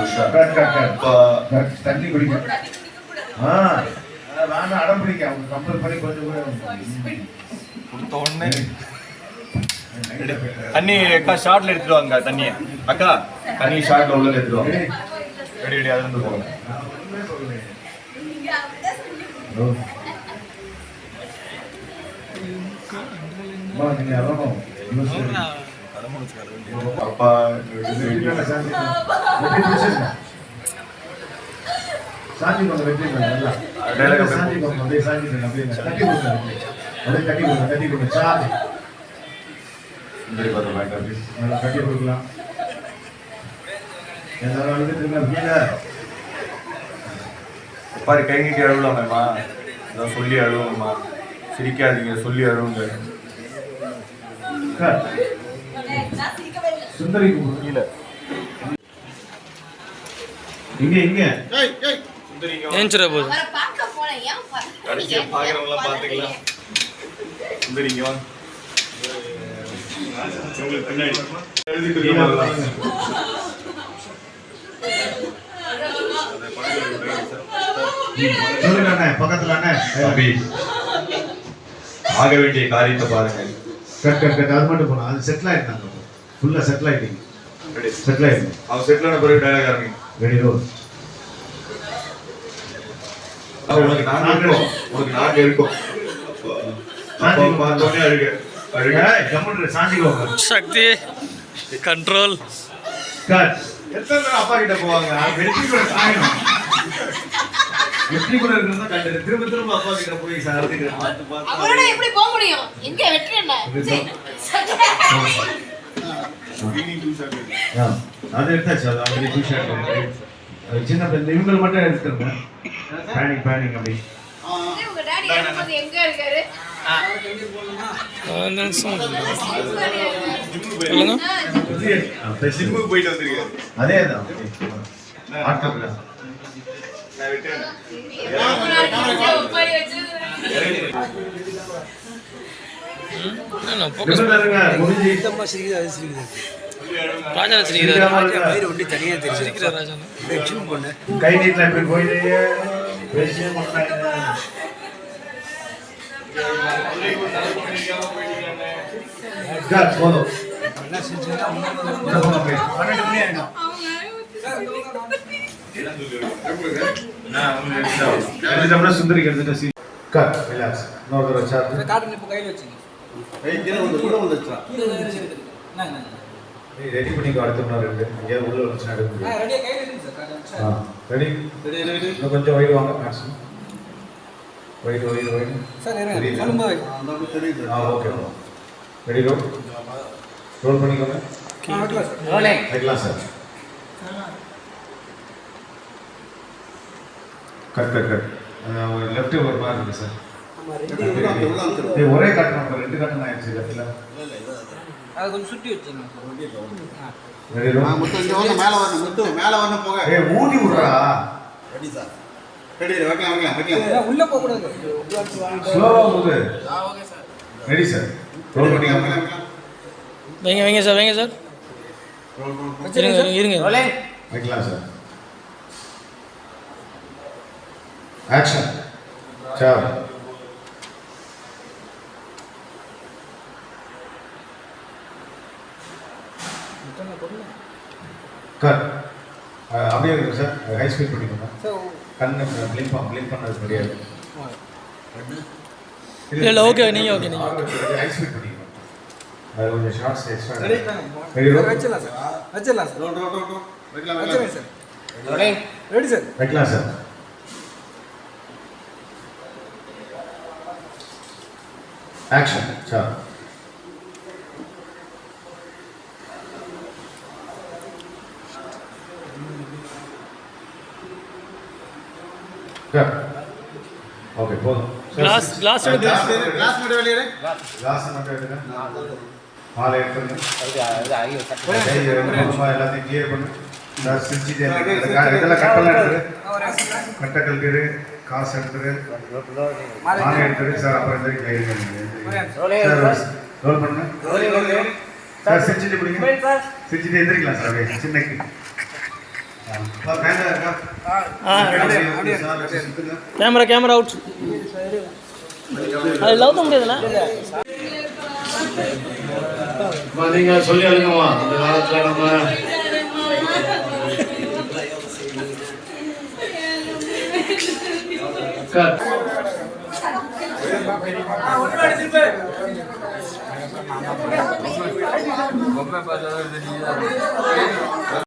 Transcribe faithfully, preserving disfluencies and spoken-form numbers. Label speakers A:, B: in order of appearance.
A: தண்ணி குடிக்க நான் அடம் பிடிக்க அவங்க கம்பல் பண்ணி கொஞ்சம் கூட
B: கொடுத்த உடனே தண்ணி அக்கா ஷார்ட்ல எடுத்துட்டு வாங்க தண்ணியை அக்கா தண்ணி ஷார்ட்ல உள்ள எடுத்துட்டு வாங்க ரெடி ரெடி அது வந்து போங்க அப்பா
A: சாந்தி கொஞ்சம் வெற்றி சாந்தி கொஞ்சம் அப்படியே சாந்தி அப்படியே கட்டி கொடுங்க அப்படியே கட்டி கொடுங்க கட்டி கொடுங்க சாந்தி நல்லா கட்டி கொடுக்கலாம் எல்லாரும் அழுதுட்டு
B: பாரு கை நீட்டி அழுவலாமேம்மா அதான் சொல்லி அழுவோம்மா சிரிக்காதீங்க சொல்லி அழுவுங்க
A: சுந்தரி கீழே இங்க இங்க
C: ஏஞ்சிர போது
B: கடைசியா பாக்குறவங்களாம் பாத்துக்கலாம் சுந்தரி இங்க வாங்க உங்களுக்கு பின்னாடி
A: பக்கத்துல
B: ஆக வேண்டிய காரியத்தை பாருங்க
A: கட் கட் கட் அது மட்டும் போனா அது செட்டில் ஆயிட்டாங்க ஃபுல்லா செட்டில் ஆயிட்டீங்க செட்டில் ஆயிட்டீங்க
B: அவன் செட்டில் ஆன பிறகு டயலாக் ஆரம்பிங்க
A: ரெடி ரோல்
B: உனக்கு நாக்கு இருக்கும் உனக்கு நாக்கு இருக்கும் பார்த்தோன்னே அழுக அழுக
A: கம்முன்னு சாஞ்சிக்கோ
C: சக்தி கண்ட்ரோல்
A: கட் எத்தனை பேர் அப்பா கிட்ட போவாங்க வெற்றி கூட காயணும் வெற்றி கூட இருக்கிறதா கண்டு திரும்ப திரும்ப அப்பா கிட்ட போய் சார்
D: அவரோட எப்படி போக முடியும் எங்க வெற்றி என்ன
A: அது எடுத்தாச்சு அது அப்படி டூ ஷர்ட் சின்ன பிள்ளை இவங்க மட்டும் எடுத்துருங்க பேனிக் பேனிக் அப்படி
D: உங்க டாடி எப்போது எங்க இருக்காரு
B: ஜிம்முக்கு போயிட்டு வந்திருக்காரு
A: அதே தான் ஆட்டோல கை நீட்டில் இப்படி போயிட்டு போதும் பன்னெண்டு மணி ஆயிடும் சுந்தரிக்கு எடுத்துட்டு கட் ரிலாக்ஸ் இன்னொரு வச்சாரு
E: கார்டன் இப்ப கையில வச்சீங்க
A: ரெடி பண்ணிக்கோ அடுத்த மணி ரெண்டு எங்கேயாவது உள்ள வச்சு எடுக்க முடியும்
E: ரெடியா கையில வச்சீங்க சார்
A: ஆ ரெடி ரெடி இன்னும் கொஞ்சம் வைடு வாங்க maximum wide wide wide
E: sir இருங்க சொல்லுங்க
A: ஆ ஓகே ரெடி ரோல் ரோல் பண்ணிக்கோங்க
E: ரோலிங்
A: வைக்கலாம் sir cut cut cut left ஒரு மாதிரி இருக்கு சார் ஒரே கட் நம்ம ரெண்டு கட்டன் ஆயிடுச்சு லெஃப்ட்ல
E: அது கொஞ்சம் சுத்தி வச்சீங்க
A: ரெடி ரோல்
F: முத்து இங்க வந்து மேல வரணும் முத்து மேல வரணும் போக
A: ஏய் ஊதி விடுறா
F: ரெடி சார் ரெடி வைக்கலாம் வைக்கலாம் வைக்கலாம்
E: உள்ள போக கூடாது
A: ஸ்லோவா ஊது
F: ஆ okay sir
A: ready sir roll பண்ணிக்கோங்க
C: வைங்க வைங்க சார் வைங்க சார்
F: ரோல் ரோல்
C: இருங்க இருங்க
E: ரோலிங்
A: வைக்கலாம் சார் ஆக்ஷன் சார் கட் அப்படியே இருக்கு சார் ஹை ஸ்பீட் பண்ணிக்கோங்க கண்ணு பிளிங்க் பண்ண பிளிங்க் பண்ணது முடியாது
C: இல்ல இல்ல ஓகே நீங்க ஓகே நீங்க
A: ஹை ஸ்பீட் பண்ணிக்கோங்க அது கொஞ்சம் shorts extra
E: ready
A: ready roll
E: வச்சிடலாம் சார் வச்சிடலாம் சார்
F: ரோல் ரோல் ரோல் வைக்கலாம்
E: வச்சிருங்க
F: வைக்கலாம்
E: சார் ரோலிங் ரெடி சார்
A: வைக்கலாம் சார் ஆக்ஷன் சார் ஓகே போதும்
C: கிளாஸ் கிளாஸ்
F: கிளாஸ் கிளாஸ் மட்டும் வெளியே
A: கிளாஸ் மட்டும் எடுங்க மாலை எடுத்துங்க எல்லாத்தையும் கிளியர் பண்ணு சார் சிரிச்சிட்டே இதெல்லாம் கட்டெல்லாம் எடுத்துரு கட்டை கழட்டிடு காசு எடுத்துரு மாலை எடுத்துரு சார் அப்புறம் இந்த கை ரோல் பண்ணுங்க சார் சிரிச்சிட்டு பிடிங்க சிரிச்சிட்டு எந்திரிக்கலாம் சார் சின்ன அப்பா, camera இருக்கா?
C: ஆ
A: அப்படியே, சார், வச்சு சுத்துங்க.
C: கேமரா கேமரா அவுட் அது லவ் தான் முடியாதுல்ல
G: அம்மா, நீங்க சொல்லி அழுங்கம்மா இந்த காலத்துல நம்ம அக்கா.